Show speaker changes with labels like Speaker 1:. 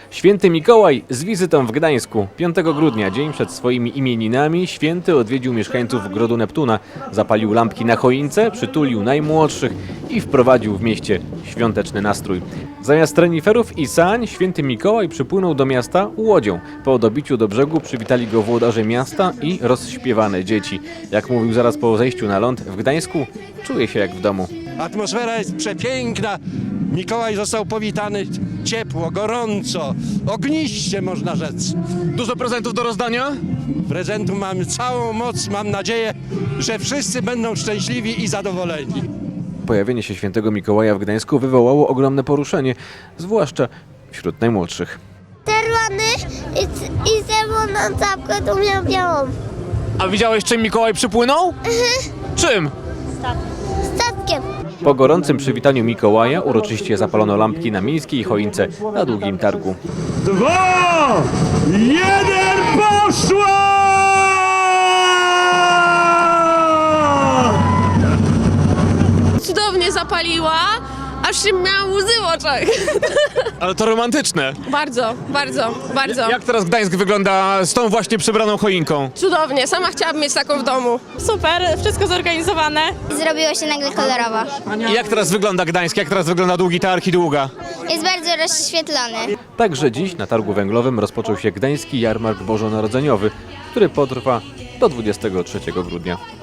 Speaker 1: Święty Mikołaj z wizytą w Gdańsku. 5 grudnia, dzień przed swoimi imieninami, święty odwiedził mieszkańców Grodu Neptuna. Zapalił lampki na choince, przytulił najmłodszych i wprowadził w mieście świąteczny nastrój. Zamiast reniferów i sań, święty Mikołaj przypłynął do miasta łodzią. Po dobiciu do brzegu przywitali go włodarze miasta i rozśpiewane dzieci. Jak mówił zaraz po zejściu na ląd w Gdańsku, czuje się jak w domu.
Speaker 2: Atmosfera jest przepiękna. Mikołaj został powitany ciepło, gorąco, ogniście można rzec.
Speaker 1: Dużo prezentów do rozdania?
Speaker 2: Prezentu mamy całą moc, mam nadzieję, że wszyscy będą szczęśliwi i zadowoleni.
Speaker 1: Pojawienie się świętego Mikołaja w Gdańsku wywołało ogromne poruszenie, zwłaszcza wśród najmłodszych.
Speaker 3: Czerwony i czerwoną czapkę, tu miał białą.
Speaker 1: A widziałeś, czym Mikołaj przypłynął? Czym?
Speaker 3: Statkiem.
Speaker 1: Po gorącym przywitaniu Mikołaja uroczyście zapalono lampki na miejskiej choince na Długim Targu.
Speaker 4: 2, 1, poszło!
Speaker 5: Cudownie zapaliła, aż się miała łzy w oczach.
Speaker 1: Ale to romantyczne.
Speaker 5: Bardzo, bardzo, bardzo.
Speaker 1: Jak teraz Gdańsk wygląda z tą właśnie przybraną choinką?
Speaker 5: Cudownie, sama chciałabym mieć taką w domu.
Speaker 6: Super, wszystko zorganizowane.
Speaker 3: Zrobiło się nagle kolorowo.
Speaker 1: I jak teraz wygląda Gdańsk? Jak teraz wygląda Długi Targ i Długa?
Speaker 3: Jest bardzo rozświetlony.
Speaker 1: Także dziś na Targu Węglowym rozpoczął się Gdański Jarmark Bożonarodzeniowy, który potrwa do 23 grudnia.